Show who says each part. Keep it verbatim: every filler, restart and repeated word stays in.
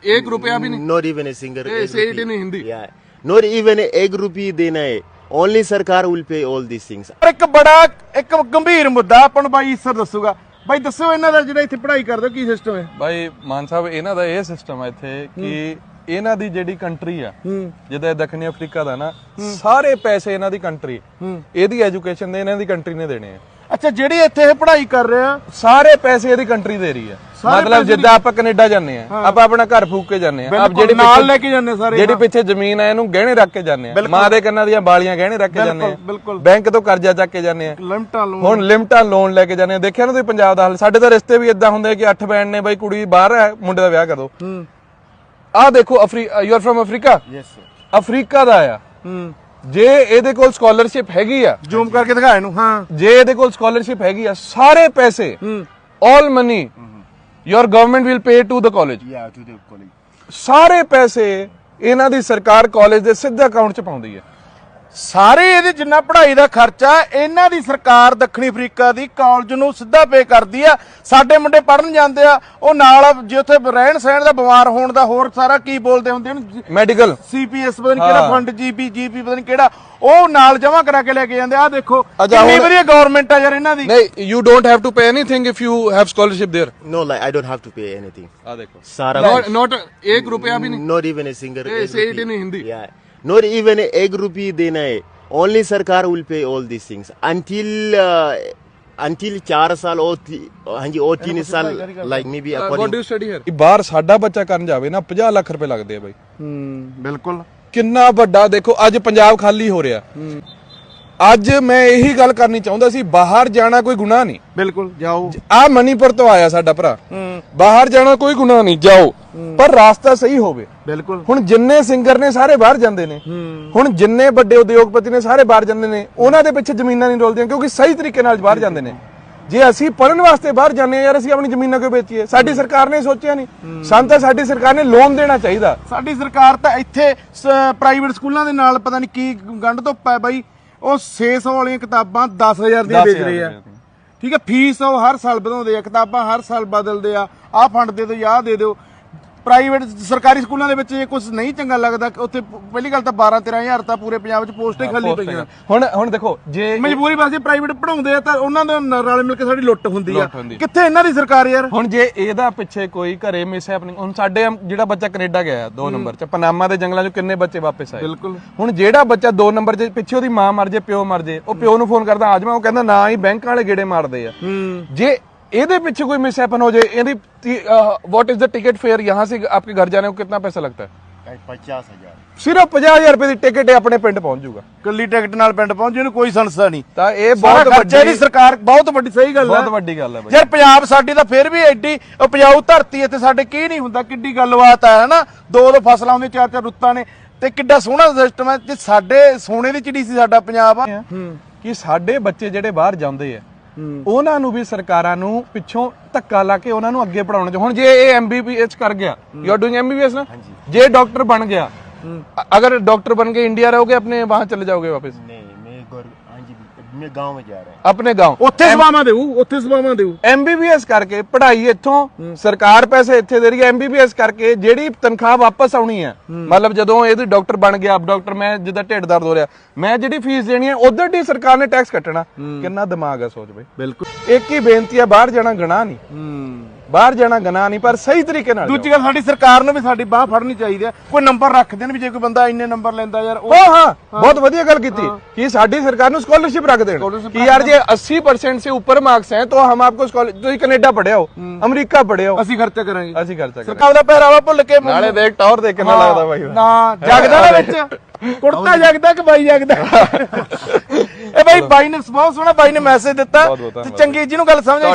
Speaker 1: एक रुपया भी नहीं,
Speaker 2: not even a single,
Speaker 1: say it in Hindi.
Speaker 2: Not even एक रुपी देना है, ओनली सरकार will pay all this things.
Speaker 3: ਇੱਕ ਬੜਾ ਇੱਕ ਗੰਭੀਰ ਮੁੱਦਾ ਆਪਾਂ ਨੂੰ ਬਾਈ ਈਸਰ ਦੱਸੂਗਾ। ਬਾਈ ਦੱਸੋ ਇਹਨਾਂ ਦਾ ਜਿਹੜਾ ਇੱਥੇ ਪੜ੍ਹਾਈ ਕਰਦੇ ਹੋ ਕੀ ਸਿਸਟਮ ਹੈ?
Speaker 4: ਬਾਈ ਮਾਨ ਸਾਹਿਬ ਇਹਨਾਂ ਦਾ ਇਹ ਸਿਸਟਮ ਹੈ ਇੱਥੇ ਕਿ ਇਹਨਾਂ ਦੀ ਜਿਹੜੀ ਕੰਟਰੀ ਆ ਜਿੱਦਾਂ ਦੱਖਣੀ ਅਫਰੀਕਾ ਦਾ ਨਾ, ਸਾਰੇ ਪੈਸੇ ਇਹਨਾਂ ਦੀ ਕੰਟਰੀ, ਇਹਦੀ ਐਜੂਕੇਸ਼ਨ ਦੇ ਇਹਨਾਂ ਦੀ ਕੰਟਰੀ ਨੇ ਦੇਣੇ ਆ।
Speaker 3: ਅੱਛਾ, ਜਿਹੜੀ ਇੱਥੇ ਇਹ ਪੜ੍ਹਾਈ ਕਰ ਰਹੇ ਆ
Speaker 4: ਸਾਰੇ ਪੈਸੇ ਇਹਦੀ ਕੰਟਰੀ ਦੇ ਰਹੀ ਆ। ਮਤਲਬ ਜਿੱਦਾਂ ਆਪਾਂ ਕੈਨੇਡਾ ਜਾਂਦੇ ਆ, ਆਪਾਂ ਆਪਣਾ ਘਰ ਫੂਕ ਕੇ ਜਾਂਦੇ ਆ, ਆਪ ਜਿਹੜੀ
Speaker 3: ਨਾਲ ਲੈ ਕੇ ਜਾਂਦੇ ਸਾਰੇ,
Speaker 4: ਜਿਹੜੀ ਪਿੱਛੇ ਜ਼ਮੀਨ ਆ ਇਹਨੂੰ ਗਹਿਣੇ ਰੱਖ ਕੇ ਜਾਂਦੇ ਆ, ਮਾਂ ਦੇ ਕੰਨਾਂ ਦੀਆਂ ਬਾਲੀਆਂ ਗਹਿਣੇ ਰੱਖ ਕੇ ਜਾਂਦੇ ਆ, ਬੈਂਕ ਤੋਂ ਕਰਜ਼ਾ ਚੱਕ ਕੇ ਜਾਂਦੇ ਆ,
Speaker 3: ਲਿਮਟਾਂ ਲੋਨ,
Speaker 4: ਹੁਣ ਲਿਮਟਾਂ ਲੋਨ ਲੈ ਕੇ ਜਾਂਦੇ ਆ। ਦੇਖਿਆ ਨਾ ਤੁਸੀਂ ਪੰਜਾਬ ਦਾ ਹਾਲ, ਸਾਡੇ ਤਾਂ ਰਿਸ਼ਤੇ ਵੀ ਇਦਾਂ ਹੁੰਦੇ ਕਿ ਅੱਠ ਬੈਂਡ ਨੇ, ਬਾਈ ਕੁੜੀ ਬਾਹਰ ਹੈ, ਮੁੰਡੇ ਦਾ ਵਿਆਹ ਕਰ ਦੋ। ਆਹ ਦੇਖੋ, ਅਫਰੀ you are from Africa, Africa ਦਾ ਆ। ਜੇ ਇਹਦੇ ਕੋਲ ਸਕਾਲਰਸ਼ਿਪ ਹੈਗੀ ਆ,
Speaker 3: ਜ਼ੂਮ ਕਰਕੇ ਦਿਖਾ ਇਹਨੂੰ, ਹਾਂ,
Speaker 4: ਜੇ ਇਹਦੇ ਕੋਲ ਸਕਾਲਰਸ਼ਿਪ ਹੈਗੀ ਆ, ਸਾਰੇ ਪੈਸੇ all money your government will pay to the college. ਸਾਰੇ ਪੈਸੇ ਇਹਨਾਂ ਦੀ ਸਰਕਾਰ ਕਾਲਜ ਦੇ ਸਿੱਧੇ ਅਕਾਊਂਟ 'ਚ ਪਾਉਂਦੀ ਹੈ।
Speaker 3: ਸਾਰੇ ਇਹਦੇ ਜਿੰਨਾ ਪੜ੍ਹਾਈ ਦਾ ਖਰਚਾ ਇਹਨਾਂ ਦੀ ਸਰਕਾਰ ਦੱਖਣੀ ਅਫਰੀਕਾ ਦੀ ਕਾਲਜ ਨੂੰ ਸਿੱਧਾ ਪੇ ਕਰਦੀ ਆ। ਸਾਡੇ ਮੁੰਡੇ ਪੜਨ ਜਾਂਦੇ ਆ, ਉਹ ਨਾਲ ਜੇ ਉੱਥੇ ਰਹਿਣ ਸਹਿਣ ਦਾ, ਬਿਮਾਰ ਹੋਣ ਦਾ, ਹੋਰ ਸਾਰਾ ਕੀ ਬੋਲਦੇ ਹੁੰਦੇ ਨੇ,
Speaker 4: ਮੈਡੀਕਲ,
Speaker 3: ਸੀਪੀਐਸ ਪਤਾ ਨਹੀਂ ਕਿਹੜਾ ਫੰਡ, ਜੀਪੀ ਜੀਪੀ ਪਤਾ ਨਹੀਂ ਕਿਹੜਾ, ਉਹ ਨਾਲ ਜਮਾ ਕਰਾ ਕੇ ਲੈ ਕੇ ਜਾਂਦੇ ਆ। ਦੇਖੋ ਕਿੰਨੀ ਵਧੀਆ ਗਵਰਨਮੈਂਟ ਆ ਯਾਰ ਇਹਨਾਂ ਦੀ।
Speaker 4: ਨਹੀਂ, you don't have to pay anything if you have scholarship there.
Speaker 2: No, like I don't have to pay anything.
Speaker 4: आ देखो
Speaker 2: सारा
Speaker 1: not, not एक रुपया भी नहीं,
Speaker 2: not even a single,
Speaker 1: say it in Hindi.
Speaker 2: Not even एक rupee देना है, ओनली सरकार will pay all this things until until चार साल और हाँ जी और तीन साल, like may be
Speaker 1: What do you study here?
Speaker 4: ਬਾਹਰ ਸਾਡਾ ਬੱਚਾ ਕਰਨ ਜਾਵੇ ਨਾ ਪੰਜਾਹ ਲੱਖ ਰੁਪਏ ਲੱਗਦੇ ਆ ਬਾਈ।
Speaker 3: ਹੂੰ, ਬਿਲਕੁਲ।
Speaker 4: ਕਿੰਨਾ ਵੱਡਾ ਦੇਖੋ, ਅੱਜ ਪੰਜਾਬ ਖਾਲੀ ਹੋ ਰਿਹਾ। ਅੱਜ ਮੈਂ ਇਹੀ ਗੱਲ ਕਰਨੀ ਚਾਹੁੰਦਾ ਸੀ, ਬਾਹਰ ਜਾਣਾ ਕੋਈ ਗੁਨਾਹ ਨਹੀਂ।
Speaker 3: ਬਿਲਕੁਲ, ਜਾਓ।
Speaker 4: ਆ ਮਨੀਪੁਰ ਤੋਂ ਆਇਆ ਸਾਡਾ ਭਰਾ, ਬਾਹਰ ਜਾਣਾ ਕੋਈ ਗੁਨਾਹ ਨਹੀਂ, ਜਾਓ, ਪਰ ਰਾਸਤਾ ਸਹੀ ਹੋਵੇ।
Speaker 3: ਬਿਲਕੁਲ।
Speaker 4: ਹੁਣ ਜਿੰਨੇ ਸਿੰਗਰ ਨੇ ਸਾਰੇ ਬਾਹਰ ਜਾਂਦੇ ਨੇ, ਹੁਣ ਜਿੰਨੇ ਵੱਡੇ ਉਦਯੋਗਪਤੀ ਨੇ ਸਾਰੇ ਬਾਹਰ ਜਾਂਦੇ ਨੇ, ਉਹਨਾਂ ਦੇ ਪਿੱਛੇ ਜ਼ਮੀਨਾਂ ਨਹੀਂ ਡੋਲਦੀਆਂ ਕਿਉਂਕਿ ਸਹੀ ਤਰੀਕੇ ਨਾਲ ਬਾਹਰ ਜਾਂਦੇ ਨੇ। ਜੇ ਅਸੀਂ ਪੜਨ ਵਾਸਤੇ ਬਾਹਰ ਜਾਂਦੇ ਆ ਯਾਰ, ਅਸੀਂ ਆਪਣੀ ਜ਼ਮੀਨਾਂ ਕਿਉਂ ਵੇਚੀਏ? ਸਾਡੀ ਸਰਕਾਰ ਨੇ ਸੋਚਿਆ ਨਹੀਂ, ਸਾਨੂੰ ਤਾਂ ਸਾਡੀ ਸਰਕਾਰ ਨੇ ਲੋਨ ਦੇਣਾ ਚਾਹੀਦਾ।
Speaker 3: ਸਾਡੀ ਸਰਕਾਰ ਤਾਂ ਇੱਥੇ ਪ੍ਰਾਈਵੇਟ ਸਕੂਲਾਂ ਦੇ ਨਾਲ ਪਤਾ ਨਹੀਂ ਕੀ ਗੰਢ ਤੋਂ ਪੈ ਬਾਈ, ਉਹ ਛੇ ਸੌ ਵਾਲੀਆਂ ਕਿਤਾਬਾਂ ਦਸ ਹਜ਼ਾਰ ਦੀਆਂ ਵੇਚ ਰਹੇ ਆ। ਠੀਕ ਹੈ, ਫੀਸ ਉਹ ਹਰ ਸਾਲ ਵਧਾਉਂਦੇ ਆ, ਕਿਤਾਬਾਂ ਹਰ ਸਾਲ ਬਦਲਦੇ ਆ, ਆਹ ਫੰਡ ਦੇ ਦਿਓ, ਆਹ ਦੇ ਦਿਓ। ਪ੍ਰਾਈਵੇਟ ਸਰਕਾਰੀ ਸਕੂਲਾਂ ਦੇ ਵਿੱਚ ਇਹ ਕੁਝ ਨਹੀਂ ਚੰਗਾ ਲੱਗਦਾ। ਉੱਥੇ ਪਹਿਲੀ ਗੱਲ ਤਾਂ ਬਾਰਾਂ ਤੇਰਾਂ ਹਜ਼ਾਰ ਤਾਂ ਪੂਰੇ ਪੰਜਾਬ 'ਚ ਪੋਸਟਾਂ ਹੀ ਖਾਲੀ ਪਈਆਂ।
Speaker 4: ਹੁਣ ਹੁਣ ਦੇਖੋ, ਜੇ
Speaker 3: ਮਜਬੂਰੀ ਵਾਸਤੇ ਪ੍ਰਾਈਵੇਟ ਪੜਾਉਂਦੇ ਆ ਤਾਂ ਉਹਨਾਂ ਦੇ ਨਾਲ ਮਿਲ ਕੇ ਸਾਡੀ ਲੁੱਟ ਹੁੰਦੀ ਆ। ਕਿੱਥੇ ਇਹਨਾਂ ਦੀ ਸਰਕਾਰ ਯਾਰ?
Speaker 4: ਹੁਣ ਜੇ ਇਹਦਾ ਪਿੱਛੇ ਕੋਈ ਘਰੇ ਮਿਸ ਹੈਪਨਿੰਗ, ਹੁਣ ਸਾਡੇ ਜਿਹੜਾ ਬੱਚਾ ਕੈਨੇਡਾ ਗਿਆ ਦੋ ਨੰਬਰ 'ਚ, ਪਨਾਮਾ ਦੇ ਜੰਗਲਾਂ 'ਚ ਕਿੰਨੇ ਬੱਚੇ ਵਾਪਸ ਆਏ।
Speaker 3: ਬਿਲਕੁਲ।
Speaker 4: ਹੁਣ ਜਿਹੜਾ ਬੱਚਾ ਦੋ ਨੰਬਰ 'ਚ ਪਿੱਛੇ ਉਹਦੀ ਮਾਂ ਮਰ ਜੇ, ਪਿਓ ਮਰ ਜੇ, ਉਹ ਪਿਓ ਨੂੰ ਫੋਨ ਕਰਦਾ ਆ ਜਾਵਾਂ, ਉਹ ਕਹਿੰਦਾ ਨਾ ਹੀ, ਬੈਂਕ ਵਾਲੇ ਗੇੜੇ ਮਾਰਦੇ ਆ। ਜੇ ਇਹਦੇ ਪਿੱਛੇ कोई मिस हैपन हो जाए, यदि what is the ticket fare यहाँ से आपके घर जाने को कितना पैसा लगता है?
Speaker 2: पचास हजार
Speaker 4: सिर्फ पचास हजार रुपए की टिकट अपने पिंड पहुंच जाऊगा।
Speaker 3: ਕੱਲੀ ਟਿਕਟ ਨਾਲ ਪਿੰਡ ਪਹੁੰਚੇ ਨੂੰ ਕੋਈ ਸੰਸਥਾ ਨਹੀਂ।
Speaker 4: ਤਾਂ ਇਹ
Speaker 3: ਬਹੁਤ
Speaker 4: ਬਹੁਤ
Speaker 3: ਵੱਡੀ ਸਰਕਾਰ, ਬਹੁਤ ਵੱਡੀ ਸਹੀ ਗੱਲ ਹੈ,
Speaker 4: ਬਹੁਤ ਵੱਡੀ ਗੱਲ ਹੈ ਬਾਈ।
Speaker 3: ਯਾਰ ਪੰਜਾਬ ਸਾਡੀ ਤਾਂ ਫਿਰ ਵੀ ਐਡੀ ਉਪਜਾਊ ਧਰਤੀ, ਇੱਥੇ ਸਾਡੇ ਕੀ ਨਹੀਂ ਹੁੰਦਾ, ਕਿੱਡੀ ਗੱਲਬਾਤ ਹੈ ਹਨਾ। ਦੋ ਦੋ ਫਸਲਾਂ ਹੁੰਦੀਆਂ, ਚਾਰ ਚਾਰ ਰੁੱਤਾਂ ਨੇ, ਤੇ ਕਿੱਡਾ ਸੋਹਣਾ ਸਿਸਟਮ ਹੈ। ਤੇ ਸਾਡੇ ਸੋਨੇ ਦੀ ਚਿੜੀ ਸੀ ਸਾਡਾ ਪੰਜਾਬ ਆ।
Speaker 4: ਕਿ ਸਾਡੇ ਬੱਚੇ ਜਿਹੜੇ ਬਾਹਰ ਜਾਂਦੇ ਆ, ਉਹਨਾਂ ਨੂੰ ਵੀ ਸਰਕਾਰਾਂ ਨੂੰ ਪਿੱਛੋਂ ਧੱਕਾ ਲਾ ਕੇ ਉਹਨਾਂ ਨੂੰ ਅੱਗੇ ਪੜਾਉਣਾ ਚਾਹੀਦਾ। ਹੁਣ ਜੇ ਇਹ ਐਮਬੀਬੀਐਸ ਕਰ ਗਿਆ, ਯੂ ਆਰ ਡੂਇੰਗ ਐਮਬੀਬੀਐਸ ਨਾ, ਜੇ ਡਾਕਟਰ ਬਣ ਗਿਆ, अगर डॉक्टर बन के इंडिया रहोगे, अपने वहां चले जाओगे वापस?
Speaker 2: नहीं, मैं हाँ जी, मैं गांव में जा रहा हूं।
Speaker 4: अपने गांव
Speaker 3: ਉੱਥੇ ਸੇਵਾਵਾਂ ਦੇਊ, ਉੱਥੇ ਸੇਵਾਵਾਂ ਦੇਊ।
Speaker 4: ਐਮਬੀਬੀਐਸ ਕਰਕੇ ਪੜ੍ਹਾਈ ਇੱਥੋਂ ਸਰਕਾਰ ਪੈਸੇ ਇੱਥੇ ਦੇ ਰਹੀ ਹੈ। ਐਮਬੀਬੀਐਸ ਕਰਕੇ ਜਿਹੜੀ ਤਨਖਾਹ ਵਾਪਸ ਆਉਣੀ ਹੈ, ਮਤਲਬ ਜਦੋਂ ਇਹਦੀ ਡਾਕਟਰ ਬਣ ਗਿਆ, ਡਾਕਟਰ, ਮੈਂ ਜਿੱਦਾਂ ਢਿੱਡ ਦਰਦ ਹੋ ਰਿਹਾ, ਮੈਂ ਜਿਹੜੀ ਫੀਸ ਦੇਣੀ ਹੈ ਉਧਰ ਦੀ ਸਰਕਾਰ ਨੇ ਟੈਕਸ ਕੱਟਣਾ। ਕਿੰਨਾ ਦਿਮਾਗ ਹੈ, ਸੋਚ ਬਈ।
Speaker 3: ਬਿਲਕੁਲ।
Speaker 4: ਇੱਕ ਹੀ ਬੇਨਤੀ ਹੈ, ਬਾਹਰ ਜਾਣਾ ਗੁਨਾਹ ਨਹੀਂ, ਬਾਹਰ ਜਾਣਾ ਗੁਨਾਹ ਨਹੀਂ, ਪਰ ਸਹੀ ਤਰੀਕੇ ਨਾਲ।
Speaker 3: ਦੂਜੀ ਗੱਲ, ਸਾਡੀ ਸਰਕਾਰ ਨੂੰ ਵੀ ਸਾਡੀ ਬਾਹ ਫੜਨੀ ਚਾਹੀਦੀ ਹੈ। ਕੋਈ ਨੰਬਰ ਰੱਖ ਦੇਣ ਵੀ ਜੇ ਕੋਈ ਬੰਦਾ ਇੰਨੇ ਨੰਬਰ ਲੈਂਦਾ ਯਾਰ, ਉਹ
Speaker 4: ਹਾਂ, ਬਹੁਤ ਵਧੀਆ ਗੱਲ ਕੀਤੀ ਕਿ ਸਾਡੀ ਸਰਕਾਰ ਨੂੰ ਸਕਾਲਰशिप रख दें कि यार ये अस्सी परसेंट से ऊपर मार्क्स हैं तो हम आपको स्कॉलरशिप, कनेडा पढ़े हो, अमेरिका पढ़े हो,
Speaker 3: ਅਸੀਂ ਖਰਚਾ ਕਰਾਂਗੇ,
Speaker 4: ਅਸੀਂ ਖਰਚਾ ਕਰਾਂਗੇ।
Speaker 3: ਸਰਕਾਰ ਦਾ ਪਹਿਰਾਵਾ ਭੁੱਲ ਕੇ
Speaker 4: ਨਾਲੇ ਦੇਖ ਟੌਰ ਦੇਖ ਕਿੰਨਾ ਲੱਗਦਾ ਬਾਈ ਦਾ।
Speaker 3: ਨਾ ਜਗਦਾ ਨਾ ਵਿੱਚ, ਕੁੜਤਾ ਜਗਦਾ ਕਿ ਬਾਈ ਜਗਦਾ। ਇਹ ਬਾਈ ਬਾਈ ਨੇ ਬਹੁਤ ਸੋਹਣਾ ਬਾਈ ਨੇ ਮੈਸੇਜ ਦਿੱਤਾ, ਤੇ ਚੰਗੀ ਜਿਹਨੂੰ ਗੱਲ ਸਮਝ